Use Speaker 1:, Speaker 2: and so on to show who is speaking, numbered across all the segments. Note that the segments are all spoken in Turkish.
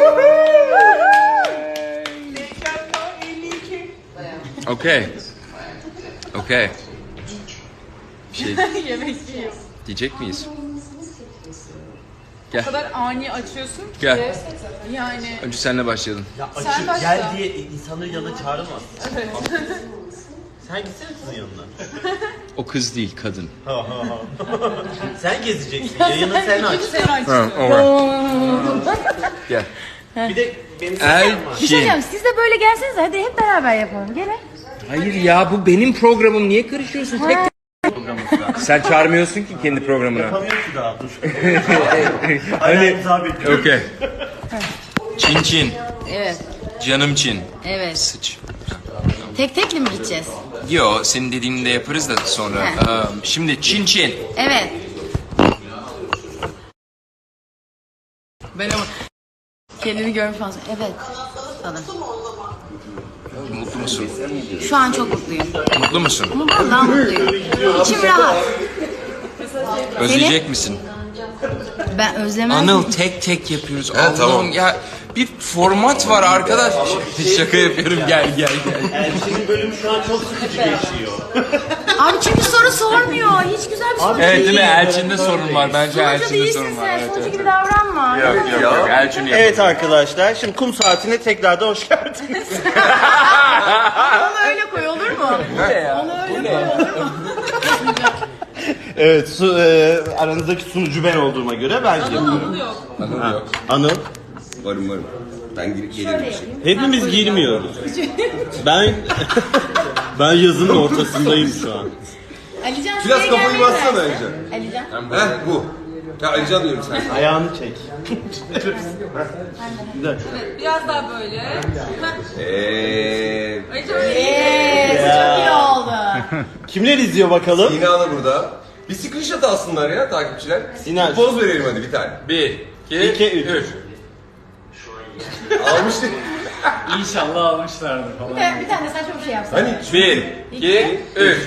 Speaker 1: Okay. Okay. Bir şey
Speaker 2: Yemek yiyor.
Speaker 1: diyecek miyiz?
Speaker 2: O kadar ani açıyorsun ki.
Speaker 1: Gel.
Speaker 2: Yani.
Speaker 1: Önce seninle başlayalım.
Speaker 3: Ya
Speaker 2: Sen
Speaker 3: açık
Speaker 2: başla.
Speaker 3: gel diye insanları yanına çağıramaz.
Speaker 2: Evet.
Speaker 3: Sen gitsene kızın yanına.
Speaker 1: O kız değil, kadın.
Speaker 3: Sen gezeceksin. Yayını sen aç.
Speaker 2: Sen açıyorsun.
Speaker 1: Gel.
Speaker 3: Bir de benim
Speaker 4: Bir şey
Speaker 1: Elçin.
Speaker 4: diyeceğim, siz de böyle gelsenize, hadi hep beraber yapalım. Gelin.
Speaker 1: Hayır ya, bu benim programım. Niye karışıyorsun? Tek Sen çağırmıyorsun ki kendi programına.
Speaker 3: yapamıyor ki daha dur.
Speaker 1: Hani
Speaker 3: imza bekliyorum.
Speaker 1: okey. Çin Çin.
Speaker 4: Evet.
Speaker 1: Canım Çin.
Speaker 4: Evet.
Speaker 1: Sıç.
Speaker 4: Tek tekli mi gideceğiz?
Speaker 1: Yo, senin dediğini de yaparız da sonra.
Speaker 4: He.
Speaker 1: Şimdi Çin Çin.
Speaker 4: Evet. Ben ama kendini görmüş fazla. Evet. Sana.
Speaker 1: Mutlu musun?
Speaker 4: Şu an çok mutluyum.
Speaker 1: Mutlu musun?
Speaker 4: Ama vallahi mutluyum. İçim rahat.
Speaker 1: Özleyecek misin?
Speaker 4: Ben özlemem.
Speaker 1: Anıl tek tek yapıyoruz.
Speaker 5: He, tamam.
Speaker 1: Allah'ım ya, bir format var arkadaş. Şaka yapıyorum, gel.
Speaker 3: Elçinin bölümü şu an çok sıkıcı geçiyor.
Speaker 4: Abi çünkü soru sormuyor. Hiç güzel bir soru
Speaker 1: Evet değil mi? Elçin'de sorun var. Bence
Speaker 4: Sonucu
Speaker 1: Elçin'de
Speaker 4: değilsin
Speaker 1: sorun var.
Speaker 4: sen.
Speaker 1: Evet,
Speaker 4: Sonucu
Speaker 1: evet.
Speaker 4: gibi davranma.
Speaker 1: Yok. Elçin yapıyor.
Speaker 3: Evet arkadaşlar, şimdi kum saatine tekrardan hoş geldiniz.
Speaker 4: Onu öyle koy, olur mu? Onu öyle koy, olur mu?
Speaker 3: Evet, aranızdaki sunucu ben olduğuma göre ben yapıyorum.
Speaker 5: Anıl yok.
Speaker 3: Anıl.
Speaker 5: Varım. Ben girip gelirim bir şey.
Speaker 3: Hepimiz girmiyoruz. Ben yazının ortasındayım şu an.
Speaker 4: Alican
Speaker 5: Biraz
Speaker 4: şuraya
Speaker 5: kafayı
Speaker 4: gelmeyi
Speaker 5: bassana
Speaker 4: versin.
Speaker 5: Alican.
Speaker 4: Alican.
Speaker 5: Heh bu. Ya Alican diyorum sen.
Speaker 3: Ayağını çek. Bir dakika.
Speaker 2: Biraz daha böyle. Ay çok
Speaker 4: Evet, çok iyi oldu.
Speaker 3: Kimler izliyor bakalım?
Speaker 5: Sina da burada. Bir screenshot alsınlar ya takipçiler.
Speaker 3: Sinan.
Speaker 5: Poz verelim hadi bir tane.
Speaker 1: 1,
Speaker 3: 2,
Speaker 1: 2,
Speaker 3: 3.
Speaker 1: 3.
Speaker 5: Almıştık.
Speaker 6: İnşallah almışlardır falan.
Speaker 4: Bir tane saçma bir şey yapsana.
Speaker 5: Hani
Speaker 1: 1, 2, 3.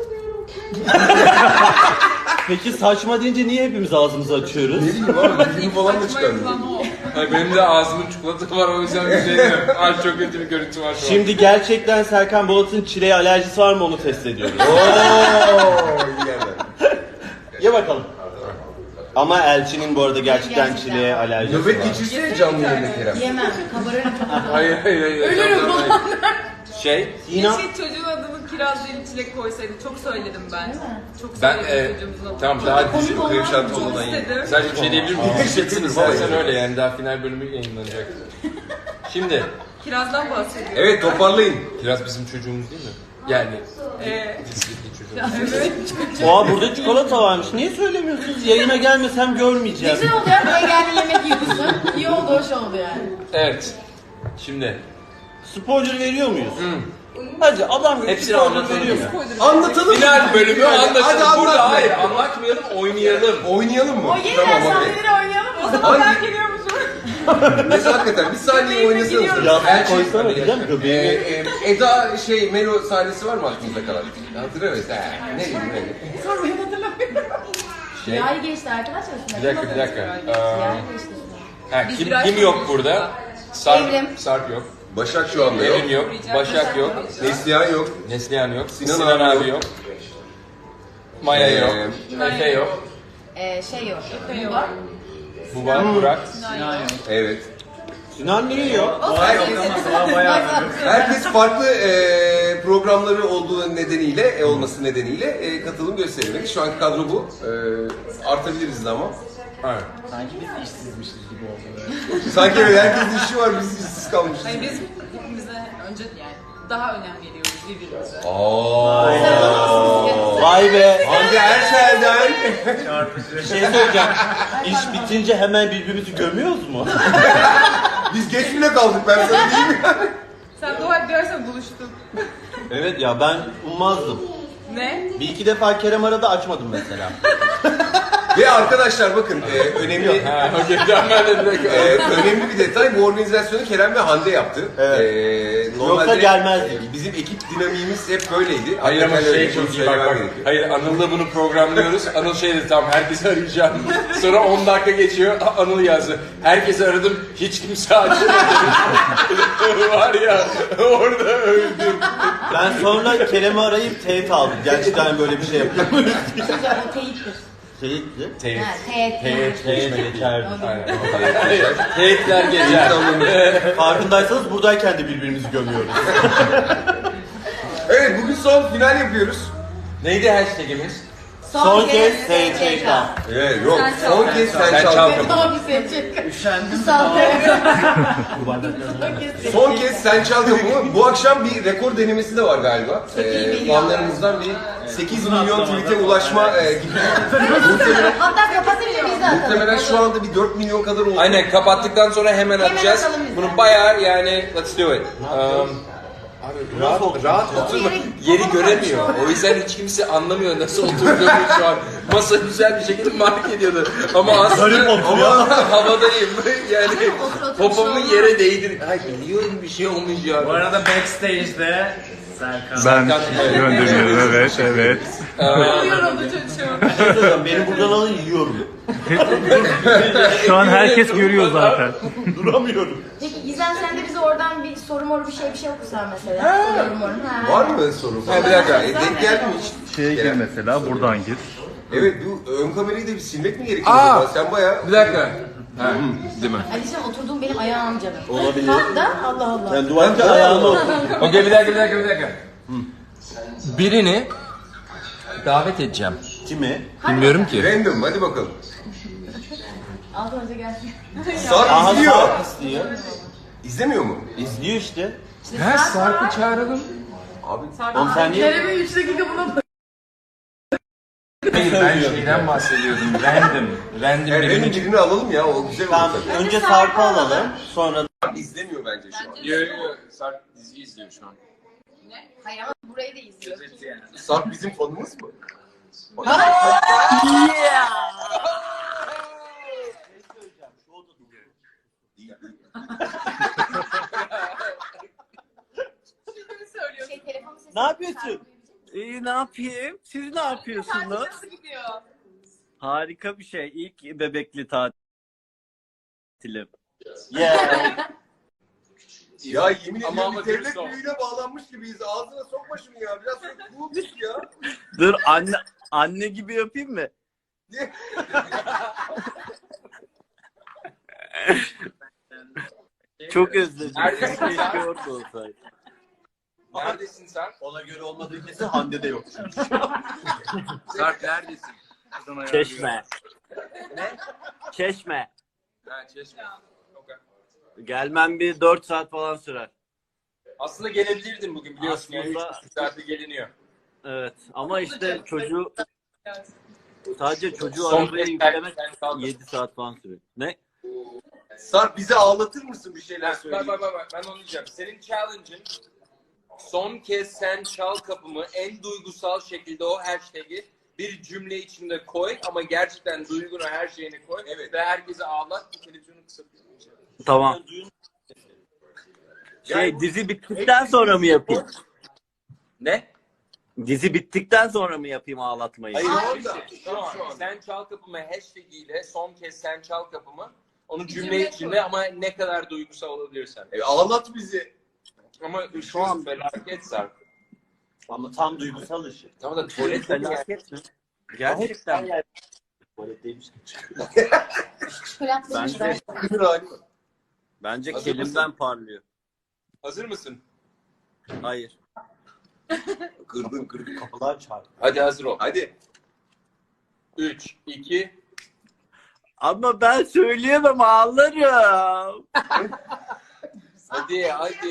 Speaker 3: Peki saçma deyince niye hepimiz ağzımızı açıyoruz?
Speaker 5: ne bileyim abi dilimi falan da çıkardım.
Speaker 1: Hayır, benim de ağzımın çikolatası var, o yüzden bir şey demiyorum. Ay, çok kötü bir görüntü var şu an.
Speaker 3: Şimdi gerçekten Serkan Bolat'ın çileğe alerjisi var mı onu test ediyoruz.
Speaker 5: Ooo iyi yerden.
Speaker 3: Ye bakalım. Ama Elçinin bu arada gerçekten çileğe alerjisi var.
Speaker 5: Nöbet geçirsene canlı yayında Kerem.
Speaker 4: Yemem, kabarırım.
Speaker 1: Hayır. Ölürüm falan. Şey,
Speaker 3: İnan.
Speaker 2: Keşke çocuğun adını kiraz değil çilek koysaydı. Çok söyledim ben. Çok
Speaker 1: ben
Speaker 2: söyledim çocuğumuzun adını.
Speaker 1: tamam daha dizi
Speaker 5: Krem şanti
Speaker 2: Çok
Speaker 5: olmadan yiyin.
Speaker 2: istedim.
Speaker 1: Sadece bir şey diyebilir miyim? Diyeceksiniz zaten öyle yani, daha final bölümü yayınlanacak. Şimdi,
Speaker 2: Kirazdan bahsediyorum.
Speaker 5: Evet toparlayın.
Speaker 1: Kiraz bizim çocuğumuz değil mi? Yani dizideki çocuğumuz.
Speaker 2: Evet.
Speaker 3: Oha burada çikolata varmış. Niye söylemiyorsunuz? Yayına gelmesem görmeyeceğim.
Speaker 4: Güzel oldu ya, buraya geldin yemek yiyorsun. İyi oldu, hoş oldu yani.
Speaker 1: Evet. Şimdi
Speaker 3: Spoiler veriyor muyuz? Hadi adam gibi
Speaker 1: hepsini
Speaker 3: spoiler
Speaker 1: anlatalım
Speaker 3: veriyor
Speaker 1: ya.
Speaker 3: mu?
Speaker 5: Anlatalım.
Speaker 1: Final bölümü anlaşıldı.
Speaker 5: Hadi anlat.
Speaker 1: Burada hayır, anlatmayalım, oynayalım.
Speaker 5: Oynayalım mı?
Speaker 4: O yeniden
Speaker 5: okey.
Speaker 4: sahneleri oynayalım.
Speaker 2: O zaman ben geliyormuşum.
Speaker 5: Mesela hakikaten bir saniye oynasanız.
Speaker 3: Yastık koysana diyeceğim göbeğime.
Speaker 5: Eda Melo sahnesi var mı aklınızda kalan? Hatırlamıyorsun. Ne bileyim ne.
Speaker 4: Sormayın, hatırlamıyorum.
Speaker 1: Şey,
Speaker 4: Yay geçti arkadaşlar.
Speaker 1: bir dakika.
Speaker 4: Yay geçti.
Speaker 1: Ha,
Speaker 2: Biz
Speaker 1: kim
Speaker 2: biraz
Speaker 1: yok burada? Sarp,
Speaker 4: Evrim.
Speaker 1: Sarp yok.
Speaker 5: Başak şu anda yok.
Speaker 1: Evrim yok. Başak yok.
Speaker 5: Neslihan yok.
Speaker 1: Neslihan yok.
Speaker 5: Sinan
Speaker 1: Sinan
Speaker 5: abi
Speaker 1: abi yok. Maya yok. Efe yok.
Speaker 4: Şey yok.
Speaker 2: Yok.
Speaker 1: Bu var, Burak.
Speaker 5: Evet.
Speaker 3: Sinan niye yok?
Speaker 5: Herkes farklı programları olduğu nedeniyle, olması nedeniyle katılım gösteremedik. Şu anki kadro bu. Artabiliriz de ama.
Speaker 1: Evet.
Speaker 6: Sanki biz işsizmişiz gibi oldu.
Speaker 5: Sanki evet, herkesin işi var, biz işsiz kalmışız.
Speaker 2: Hani biz hepimize önce yani daha önem veriyoruz birbirimize.
Speaker 3: Vay be.
Speaker 5: Hande Erçel'den.
Speaker 3: Bir şey söyleyeceğim. İş bitince hemen birbirimizi gömüyoruz mu?
Speaker 5: Biz geç bile kaldık, ben sana diyeyim mi?
Speaker 2: Sen dua et dersen buluştuk.
Speaker 3: Evet ya ben ummazdım.
Speaker 2: Ne?
Speaker 3: Bir iki defa Kerem aradı açmadım mesela.
Speaker 5: Ve arkadaşlar bakın önemli önemli bir detay, bu organizasyonu Kerem ve Hande yaptı.
Speaker 3: Yoksa gelmezdik.
Speaker 5: Bizim ekip dinamiğimiz hep böyleydi.
Speaker 1: Hayır ama
Speaker 5: Hakikaten öyle
Speaker 1: şey çok iyi
Speaker 5: söylemem
Speaker 1: bak.
Speaker 5: gerekiyor.
Speaker 1: Hayır Anıl'la bunu programlıyoruz. Anıl şey dedi tamam herkesi arayacağım. Sonra 10 dakika geçiyor Anıl yazdı. Herkesi aradım hiç kimse açmadı. Var ya orada öldüm.
Speaker 3: Ben sonra Kerem'i arayıp teyit aldım. Gerçekten böyle bir şey yapıyor.
Speaker 4: O teyittir.
Speaker 3: Teyitli.
Speaker 1: Teyit.
Speaker 4: Ha, teyit.
Speaker 3: Teyit geçerdi.
Speaker 1: Teyitler geçer.
Speaker 3: Farkındaysanız buradayken de birbirimizi gömüyoruz.
Speaker 5: Evet, bugün son final yapıyoruz.
Speaker 1: Neydi hashtagimiz?
Speaker 3: Son kez SÇK.
Speaker 5: Evet, yok.
Speaker 2: Sen
Speaker 5: Son
Speaker 2: çal.
Speaker 5: kez sen
Speaker 1: Sen
Speaker 5: çal.
Speaker 1: çal.
Speaker 4: Tamam bir seçecek.
Speaker 6: Üşendim.
Speaker 4: Sağ ol.
Speaker 5: Son kez sen çal kapımı. Bu akşam bir rekor denemesi de var galiba.
Speaker 4: milyon.
Speaker 5: Fanlarımızdan bir 8 milyon tweet'e ulaşma gibi.
Speaker 4: Hatta kapatınca biz de atalım.
Speaker 5: Muhtemelen şu anda bir 4 milyon kadar oldu.
Speaker 1: Aynen kapattıktan sonra hemen atacağız.
Speaker 4: atalım biz de.
Speaker 1: Bunu bayağı yani let's do it. Abi rahat oturma. Yeri göremiyor. O yüzden hiç kimse anlamıyor nasıl oturduğumu şu an. Masa güzel bir şekilde mark ediyordu. Ama aslında havadayım. Yani popomu yere değdir. Ay biliyorum bir şey olmuş ya.
Speaker 6: Bu arada backstage'de Serkan.
Speaker 7: Ben gönderiyorum, evet.
Speaker 2: Yoruldu çocuğum.
Speaker 3: Beni buradan alın yiyorum.
Speaker 7: Şu an herkes görüyor zaten.
Speaker 3: Duramıyorum.
Speaker 4: Peki İzen sen de bize oradan bir soru moru bir şey okursan mesela. Soru moru. Ha.
Speaker 5: Var mı sorun?
Speaker 1: Ha, bir dakika.
Speaker 5: Denk geldi mi hiç?
Speaker 7: Şeye gir mesela, buradan gir.
Speaker 5: Evet, bu ön kamerayı da bir silmek mi gerekiyor?
Speaker 1: Aa!
Speaker 5: acaba? Sen bayağı...
Speaker 1: Bir dakika. Ha, değil mi?
Speaker 4: Alican oturduğum benim ayağım canım.
Speaker 3: Olabilir.
Speaker 4: Kalk da Allah Allah.
Speaker 3: Sen duvarda ayağını otur.
Speaker 1: Okey bir dakika. Birini davet edeceğim.
Speaker 3: Kimi?
Speaker 1: Bilmiyorum ki.
Speaker 5: Random, hadi bakalım.
Speaker 4: Az önce gelsin.
Speaker 5: Sarp
Speaker 3: Aha
Speaker 5: izliyor.
Speaker 3: Sarp istiyor.
Speaker 5: İzlemiyor mu?
Speaker 3: İzliyor işte.
Speaker 1: Ha Sarp'ı çağıralım.
Speaker 5: Abi
Speaker 3: Oğlum sen niye?
Speaker 2: Kerem'in 3 dakika buna
Speaker 1: Hayır ben şeyden bahsediyordum. Random
Speaker 5: random
Speaker 1: birini
Speaker 5: birini alalım ya, o güzel olur
Speaker 3: Tamam,
Speaker 5: tabii.
Speaker 3: önce Sarp'ı alalım, sonra
Speaker 5: Sarp izlemiyor bence şu an.
Speaker 1: Yo, Sarp dizi izliyor şu an.
Speaker 4: Hayır ama burayı da izliyor.
Speaker 5: Sarp bizim fanımız mı?
Speaker 2: söylüyorsun.
Speaker 4: Telefon sesi.
Speaker 3: Ne yapıyorsun? İyi, ne yapayım? Siz ne yapıyorsunuz?
Speaker 2: Nasıl gidiyor?
Speaker 3: Harika bir şey. İlk bebekli tatilim. Yeah.
Speaker 5: Ya yemin
Speaker 1: Ama
Speaker 5: ediyorum bir devlet
Speaker 1: dürüst ol.
Speaker 5: büyüğüne bağlanmış gibiyiz. Ağzına sokma şunu ya. Biraz cool tut ya.
Speaker 3: Dur anne gibi yapayım mı? Çok özledim.
Speaker 1: Neredesin sen?
Speaker 3: Keşke orada olsaydı.
Speaker 1: Neredesin sen?
Speaker 3: Ona göre olmadığı kesin Hande de yok.
Speaker 1: Sarp neredesin?
Speaker 3: Çeşme.
Speaker 1: Ne?
Speaker 3: Çeşme.
Speaker 1: Ha Çeşme. Okay.
Speaker 3: Gelmem bir 4 saat falan sürer.
Speaker 1: Aslında gelebilirdin bugün biliyorsun.
Speaker 3: Aslında-
Speaker 1: Yani 3 saatte geliniyor.
Speaker 3: Evet ama işte çocuğu
Speaker 2: Evet.
Speaker 3: sadece çocuğu
Speaker 1: Son
Speaker 3: arabaya
Speaker 1: kez
Speaker 3: yüklemek
Speaker 1: sen kaldın.
Speaker 3: 7 saat falan sürüyor. Ne?
Speaker 5: Sarp bizi ağlatır mısın bir şeyler
Speaker 1: Bak
Speaker 5: söyleyeyim?
Speaker 1: bak ben onu diyeceğim. Senin challenge'ın son kez sen çal kapımı en duygusal şekilde o hashtag'i bir cümle içinde koy ama gerçekten duygunu her şeyini koy.
Speaker 5: Evet.
Speaker 1: Ve herkese ağlat. Bu televizyonu kısıtlayın.
Speaker 3: Tamam. Dizi bittikten sonra mı yapayım?
Speaker 1: Ne?
Speaker 3: Dizi bittikten sonra mı yapayım ağlatmayı?
Speaker 5: Hayır, orada.
Speaker 1: Şu an sen çal kapımı hashtag ile son kez sen çal kapımı onu cümle içinde ama ne kadar duygusal olabilirsen.
Speaker 5: Ağlat bizi.
Speaker 1: Ama şu an felaket Sarp.
Speaker 3: Ama tam duygusal işi.
Speaker 1: Tamam da tuvalet
Speaker 3: Felaket mi? Gerçekten. Tuvaletteymiş.
Speaker 4: Çikolatlı
Speaker 3: Bence, bence
Speaker 1: Hazır
Speaker 3: kelimden
Speaker 1: mısın?
Speaker 3: parlıyor.
Speaker 1: Hazır mısın?
Speaker 3: Hayır.
Speaker 5: Kırdın.
Speaker 3: Kapılar çarptı.
Speaker 1: Hadi hazır ol.
Speaker 5: Hadi.
Speaker 1: 3, 2,
Speaker 3: Ama ben söyleyemem ağlarım.
Speaker 1: hadi.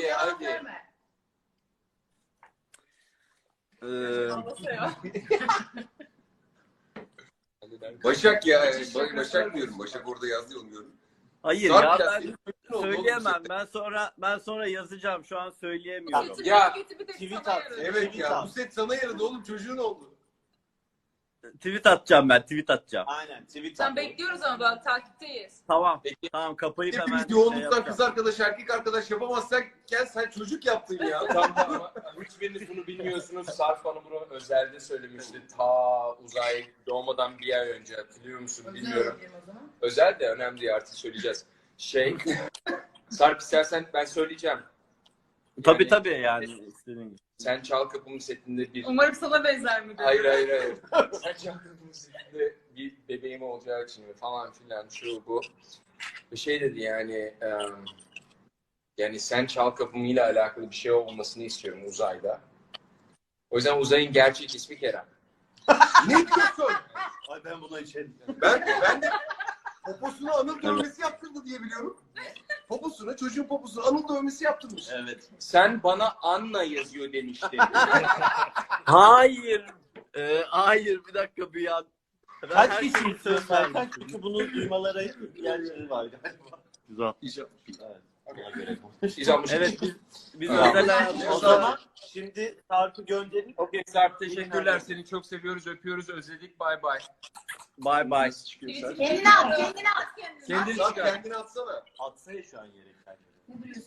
Speaker 5: Başak ya. Başak diyorum. Başak orada yazdı onu gördüm.
Speaker 3: Hayır
Speaker 5: Sarp
Speaker 3: ya
Speaker 5: ya,
Speaker 3: ben
Speaker 5: senin ne oldu
Speaker 3: söyleyemem.
Speaker 5: oğlum?
Speaker 3: Ben sonra yazacağım. Şu an söyleyemiyorum.
Speaker 1: Ya,
Speaker 2: Kötü bir de
Speaker 3: tweet
Speaker 2: sana
Speaker 3: at.
Speaker 2: yaradı.
Speaker 5: Evet ya. Bu set sana yaradı oğlum. Çocuğun oldu.
Speaker 6: Tweet atacağım ben, tweet atacağım.
Speaker 3: Aynen tweet
Speaker 2: Sen
Speaker 3: at.
Speaker 2: bekliyoruz ama ben takipteyiz.
Speaker 6: Tamam.
Speaker 1: Peki.
Speaker 6: Tamam kapayıp hemen
Speaker 5: Hepimiz yoğunluktan
Speaker 6: yapacağım.
Speaker 5: kız arkadaş, erkek arkadaş yapamazsak gel sen çocuk yaptın ya.
Speaker 1: Tam da ama hiçbiriniz bunu bilmiyorsunuz. Sarp Hanım bunu özelde söylemişti. Ta uzay doğmadan bir ay önce, hatırlıyor musun bilmiyorum. Özel de önemli değil, artık söyleyeceğiz. Sarp istersen ben söyleyeceğim.
Speaker 6: Tabii tabii yani istediğin gibi.
Speaker 1: Sen Çal Kapımı setinde bir...
Speaker 2: Umarım sana benzer mi?
Speaker 1: Hayır. Sen Çal Kapımı setinde bir bebeğim olacağı için falan filan şu bu. Bir şey dedi yani... Yani Sen Çal Kapımı ile alakalı bir şey olmasını istiyorum uzayda. O yüzden uzayın gerçek ismi Kerem.
Speaker 5: Ne diyorsun?
Speaker 3: Ay ben buna içerim.
Speaker 5: Ben de poposuna anıl dövmesi yaptırdı diye biliyorum. Poposuna, çocuğun poposuna anıl dövmesi yaptırmış.
Speaker 3: Evet.
Speaker 1: Sen bana Anna yazıyor demişti.
Speaker 6: Hayır. Hayır bir dakika bir an. Ben
Speaker 3: Kaç
Speaker 6: her
Speaker 3: kişi
Speaker 6: şeyi
Speaker 3: istiyor
Speaker 6: söz
Speaker 3: Serkan?
Speaker 6: vermiştim.
Speaker 3: Çünkü bunu duymalara ihtiyaçları var galiba.
Speaker 7: Güzel.
Speaker 3: Evet. Ona göre.
Speaker 6: Evet biz
Speaker 1: Tamam.
Speaker 6: özel hayatımızda...
Speaker 3: O zaman şimdi Sarp'ı gönderin.
Speaker 1: Okey Sarp, teşekkürler. Seni çok seviyoruz, öpüyoruz, özledik. Bay bay.
Speaker 6: Bye bye.
Speaker 4: Kendini at, kendini at kendini.
Speaker 1: Kendini
Speaker 5: Lan
Speaker 1: çıkar.
Speaker 5: kendini atsana.
Speaker 3: Atsa ya şu an yere kendini.
Speaker 4: Ne duruyorsun?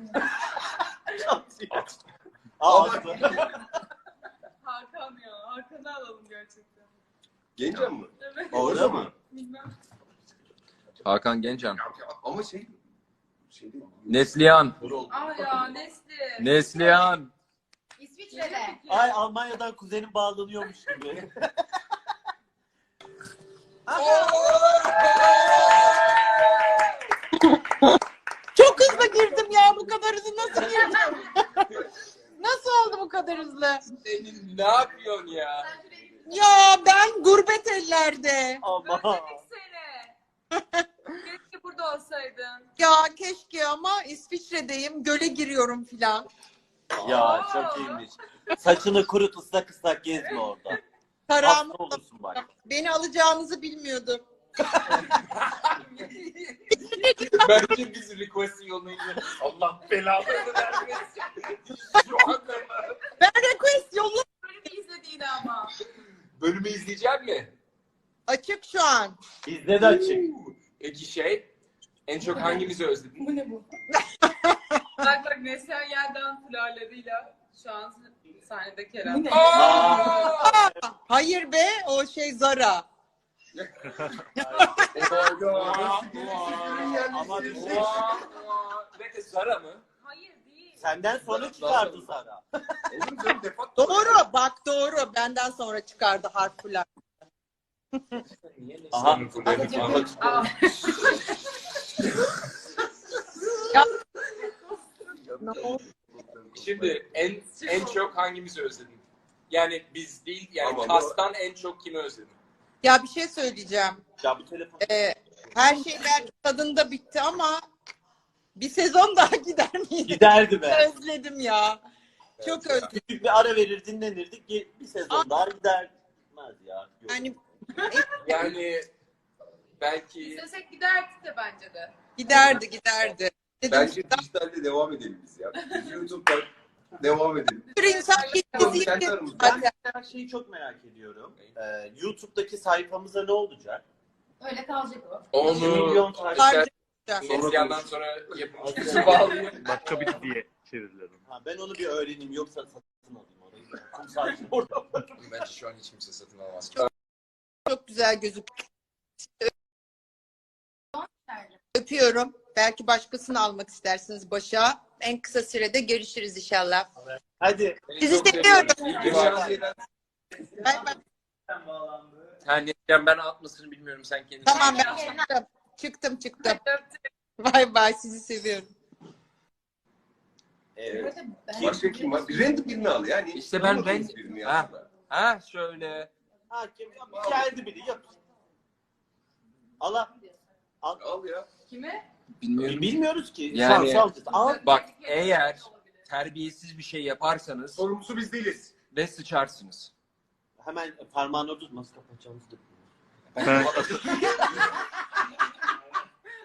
Speaker 3: Aa,
Speaker 2: Hakan ya. Hakan'ı alalım gerçekten.
Speaker 5: Gencem mi?
Speaker 2: Evet.
Speaker 3: orada mı?
Speaker 2: Bilmem.
Speaker 1: Hakan Gencan.
Speaker 5: Ama şey değil.
Speaker 1: Neslihan.
Speaker 2: Aa ya Nesli.
Speaker 1: Neslihan.
Speaker 4: İsviçre'de.
Speaker 3: Ay Almanya'dan kuzenim bağlanıyormuş gibi.
Speaker 4: Çok hızlı girdim ya, bu kadar hızlı nasıl girdim? Nasıl oldu bu kadar hızlı?
Speaker 1: Senin ne yapıyorsun ya?
Speaker 4: Ya ben gurbet ellerde.
Speaker 3: Ama
Speaker 2: Özledik seni. Keşke burada olsaydın.
Speaker 4: Ya keşke ama İsviçre'deyim, göle giriyorum filan.
Speaker 3: ya çok iyiymiş. Saçını kurut ıslak ıslak gezme orada.
Speaker 4: Karam,
Speaker 3: Hasta olursun bak.
Speaker 4: beni alacağınızı bilmiyordum.
Speaker 1: Bence biz request'in yoluna gidiyoruz. Allah belalarını vermesin. Şu anda mı?
Speaker 4: Ben request yolu
Speaker 2: Bölümü izlediğini ama.
Speaker 1: Bölümü izleyecek mi?
Speaker 4: açık şu an.
Speaker 3: Bizde de açık.
Speaker 1: Peki en çok hangimizi özledin?
Speaker 2: Bu ne bu? Bak Neslihan Yeldan fularlarıyla şu an sahnede Kerem.
Speaker 4: Hayır be, o şey Zara.
Speaker 3: Ama bir şey.
Speaker 1: Ne Zara mı?
Speaker 2: Hayır değil.
Speaker 3: Senden sonra çıkardı Sara.
Speaker 5: Olur canım defak.
Speaker 4: Doğru, bak doğru. Benden sonra çıkardı harfler.
Speaker 1: Niye
Speaker 3: Aha.
Speaker 1: Neslihan'ın fularını anlat.
Speaker 2: Aa,
Speaker 1: Şimdi en çok hangimizi özledin? Yani biz değil, yani
Speaker 5: Ama
Speaker 1: kastan en çok kimi özledin?
Speaker 4: Ya bir şey söyleyeceğim.
Speaker 3: Ya bu telefon.
Speaker 4: Her şeyler tadında bitti ama bir sezon daha gider miydi?
Speaker 3: Giderdi be.
Speaker 4: Özledim ya. Çok özledim.
Speaker 3: Küçük bir ara verir dinlenirdik. Bir sezon daha gidermez ya. Yok.
Speaker 4: Yani
Speaker 1: Yani belki
Speaker 2: İstesek giderdik de bence de.
Speaker 4: giderdi. Dedim,
Speaker 5: Bence dijitalde devam edelim biz ya. Biz YouTube'dan devam edelim.
Speaker 4: bir sürü insan
Speaker 5: Kendi
Speaker 4: bizi
Speaker 5: aramızda.
Speaker 4: zaten.
Speaker 3: Ben şeyi çok merak ediyorum. YouTube'daki sayfamıza ne olacak?
Speaker 4: Öyle kalacak o.
Speaker 3: 2 milyon takip.
Speaker 4: Harcayacak.
Speaker 1: Neslihan'dan sonra yapımcısı bağlayayım.
Speaker 7: Başka bir diye çevirdiler onu.
Speaker 3: Ha, ben onu bir öğreneyim yoksa satın alayım orayı. Sadece orada.
Speaker 1: Bence şu an hiç kimse satın almaz.
Speaker 4: Çok güzel gözüküyor. Öpüyorum. Belki başkasını almak istersiniz başa. En kısa sürede görüşürüz inşallah.
Speaker 3: Hadi.
Speaker 4: Sizi
Speaker 1: çok
Speaker 4: seviyorum.
Speaker 1: İyi ki varsın.
Speaker 4: Bay bay.
Speaker 1: Ha Neslihan, ben atmasını bilmiyorum, sen kendin.
Speaker 4: Tamam ben çıktım. Bay bay, sizi seviyorum.
Speaker 3: Evet.
Speaker 5: Başka kim var? Bir random birini al yani.
Speaker 1: İşte ben-
Speaker 5: Tanımadığımız birini
Speaker 1: Ha.
Speaker 5: aslında.
Speaker 1: Ha şöyle.
Speaker 3: Hakim geldi biri yap. Allah.
Speaker 5: Al ya.
Speaker 2: Kime?
Speaker 1: Bilmiyorum.
Speaker 3: Bilmiyoruz ki.
Speaker 1: Yani-
Speaker 3: Salacağız. Al.
Speaker 1: Bak, eğer terbiyesiz bir şey yaparsanız
Speaker 5: Sorumlusu biz değiliz.
Speaker 1: ve sıçarsınız.
Speaker 3: Hemen parmağını orada tut. Nasıl kapatacağımızı da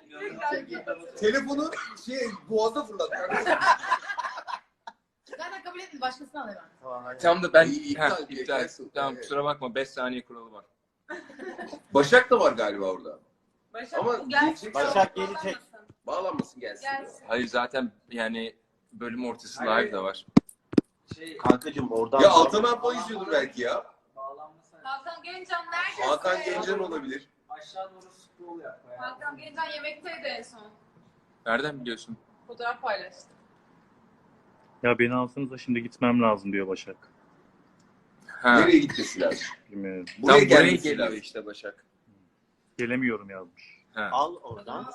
Speaker 5: Telefonu boğaza fırlat.
Speaker 4: Zaten
Speaker 8: kabul etme. Başkasını alayım ben.
Speaker 1: Tam da ben
Speaker 5: İptal,
Speaker 1: iptal.
Speaker 5: cancel.
Speaker 1: Tamam
Speaker 5: Evet.
Speaker 1: kusura bakma 5 saniye kuralı var.
Speaker 5: Başak da var galiba orada.
Speaker 2: Başak
Speaker 5: Ama
Speaker 2: bu gelsin.
Speaker 6: Başak gelecek.
Speaker 5: Bağlanmasın gelsin.
Speaker 2: Gelsin.
Speaker 1: Hayır zaten yani bölüm ortası live de var.
Speaker 6: Kankacığım oradan.
Speaker 5: Ya Altan abla izliyordur belki ya.
Speaker 2: Hakan Gencan neredesin?
Speaker 5: Hakan Gencan olabilir.
Speaker 2: Hakan Gencan yemekteydi en son.
Speaker 1: Nereden biliyorsun?
Speaker 2: Fotoğraf paylaştı.
Speaker 7: Ya beni alsanız da şimdi gitmem lazım diyor Başak.
Speaker 1: Ha.
Speaker 5: Nereye gitmesi lazım?
Speaker 7: Bilmiyorum.
Speaker 5: Buraya
Speaker 1: Tam buraya
Speaker 5: gelmesi
Speaker 1: geliyor
Speaker 5: lazım.
Speaker 1: işte Başak.
Speaker 7: Gelemiyorum yazmış.
Speaker 1: Ha.
Speaker 6: Al oradan.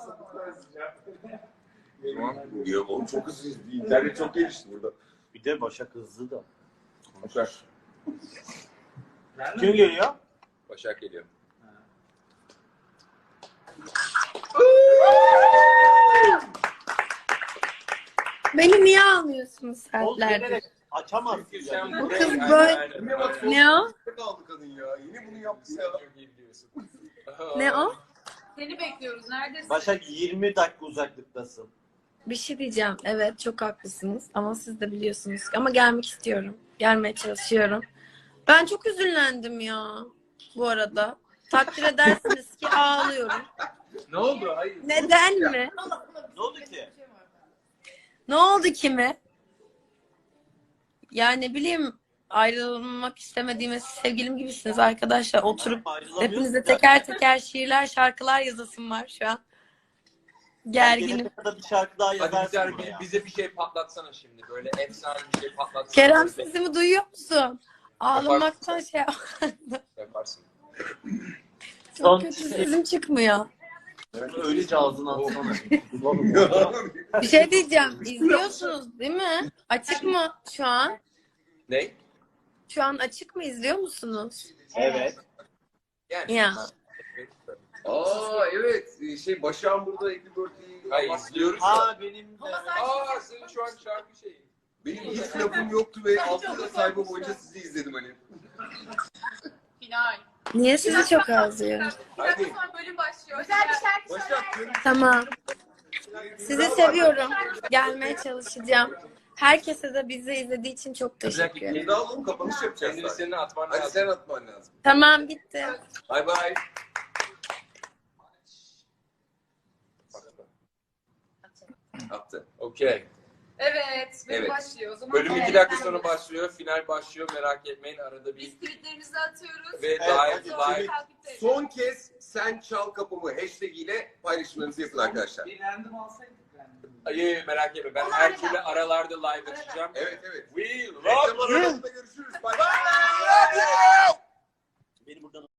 Speaker 1: Tamam.
Speaker 5: Ya oğlum çok hızlı. İnternet çok gelişti burada.
Speaker 6: Bir de Başak hızlı da.
Speaker 1: Başak.
Speaker 6: Kim geliyor?
Speaker 1: Başak geliyor.
Speaker 9: Beni niye almıyorsunuz
Speaker 6: Oğlum
Speaker 9: saatlerdir?
Speaker 6: gelerek açamazsın.
Speaker 1: Sen
Speaker 6: Yani.
Speaker 9: Bu
Speaker 1: buraya-
Speaker 9: kız
Speaker 1: Aynen,
Speaker 9: böyle-
Speaker 1: aynen,
Speaker 5: Ne bak,
Speaker 1: aynen.
Speaker 9: Ne o?
Speaker 5: kaldı kadın ya. Yine bunu yaptı ya.
Speaker 1: Çok iyi biliyorsun.
Speaker 9: Ne o?
Speaker 2: Seni bekliyoruz. Neredesin?
Speaker 6: Başak 20 dakika uzaklıktasın.
Speaker 9: Bir şey diyeceğim. Evet çok haklısınız ama siz de biliyorsunuz. Ama gelmek istiyorum. Gelmeye çalışıyorum. Ben çok üzüldüm ya bu arada. Takdir edersiniz ki ağlıyorum.
Speaker 1: Ne oldu? Hayır.
Speaker 9: Neden mi?
Speaker 6: Ne oldu ki?
Speaker 9: Ne oldu ki mi? Yani ne bileyim ayrılmak istemediğime sevgilim gibisiniz arkadaşlar. Oturup
Speaker 6: Ayrılamıyorsun
Speaker 9: hepinize
Speaker 6: ya.
Speaker 9: teker teker şiirler, şarkılar yazasım var şu an. Gerginim.
Speaker 6: Gelene kadar bir şarkı daha
Speaker 1: Hadi
Speaker 6: yazarsın
Speaker 1: bize,
Speaker 6: buraya.
Speaker 1: bize bir şey patlatsana şimdi. Böyle efsane bir şey patlatsana.
Speaker 9: Kerem sesimi duyuyor musun? Ağlamaktan şey
Speaker 1: Yaparsın.
Speaker 9: çok kötü sesim çıkmıyor.
Speaker 6: Öylece ağzına atsana.
Speaker 9: Bir şey diyeceğim. İzliyorsunuz değil mi? Açık mı şu an?
Speaker 1: Ne?
Speaker 9: Şu an açık mı izliyor musunuz?
Speaker 6: Evet.
Speaker 1: Yani.
Speaker 9: Ya.
Speaker 5: Aa evet. Başak'ın burada Happy Birthday'i
Speaker 1: Hayır izliyoruz. da.
Speaker 6: Ha benim de.
Speaker 1: Aa senin şu an şarkı şeyi.
Speaker 5: Benim hiç lafım yoktu ve 6 yıl sayfa boyunca sizi izledim hani.
Speaker 2: Final.
Speaker 9: Niye sizi çok ağlıyor?
Speaker 2: Bir dakika sonra bölüm başlıyor.
Speaker 8: Güzel bir şarkı
Speaker 5: Başak
Speaker 8: söyler.
Speaker 9: Tamam. Sizi seviyorum. Gelmeye çalışacağım. Herkese de bizi izlediği için çok teşekkür ederim.
Speaker 5: Yeni alalım kapanış yapacağız.
Speaker 1: Kendini
Speaker 5: zaten.
Speaker 1: senin atman
Speaker 5: Hadi
Speaker 1: lazım.
Speaker 5: sen atman lazım.
Speaker 9: Tamam bitti.
Speaker 5: Bye bye. Attı.
Speaker 1: Okey.
Speaker 2: Evet. Bölüm
Speaker 5: Evet.
Speaker 2: başlıyor. O zaman
Speaker 1: Bölüm 2 dakika sonra başlıyor. Final başlıyor. Merak etmeyin. Arada bir
Speaker 2: biz tweetlerimizi atıyoruz.
Speaker 1: ve
Speaker 6: Evet,
Speaker 1: live
Speaker 6: hadi.
Speaker 1: live.
Speaker 2: Takipteyiz.
Speaker 5: Son kez sen çal kapımı hashtag ile paylaşımlarınızı yapın arkadaşlar.
Speaker 1: Hayır merak etme. Ben her türlü aralarda live açacağım.
Speaker 5: Evet evet.
Speaker 1: We
Speaker 5: Reklam
Speaker 1: love you.
Speaker 5: arasında görüşürüz. Bye bye.
Speaker 6: Beni buradan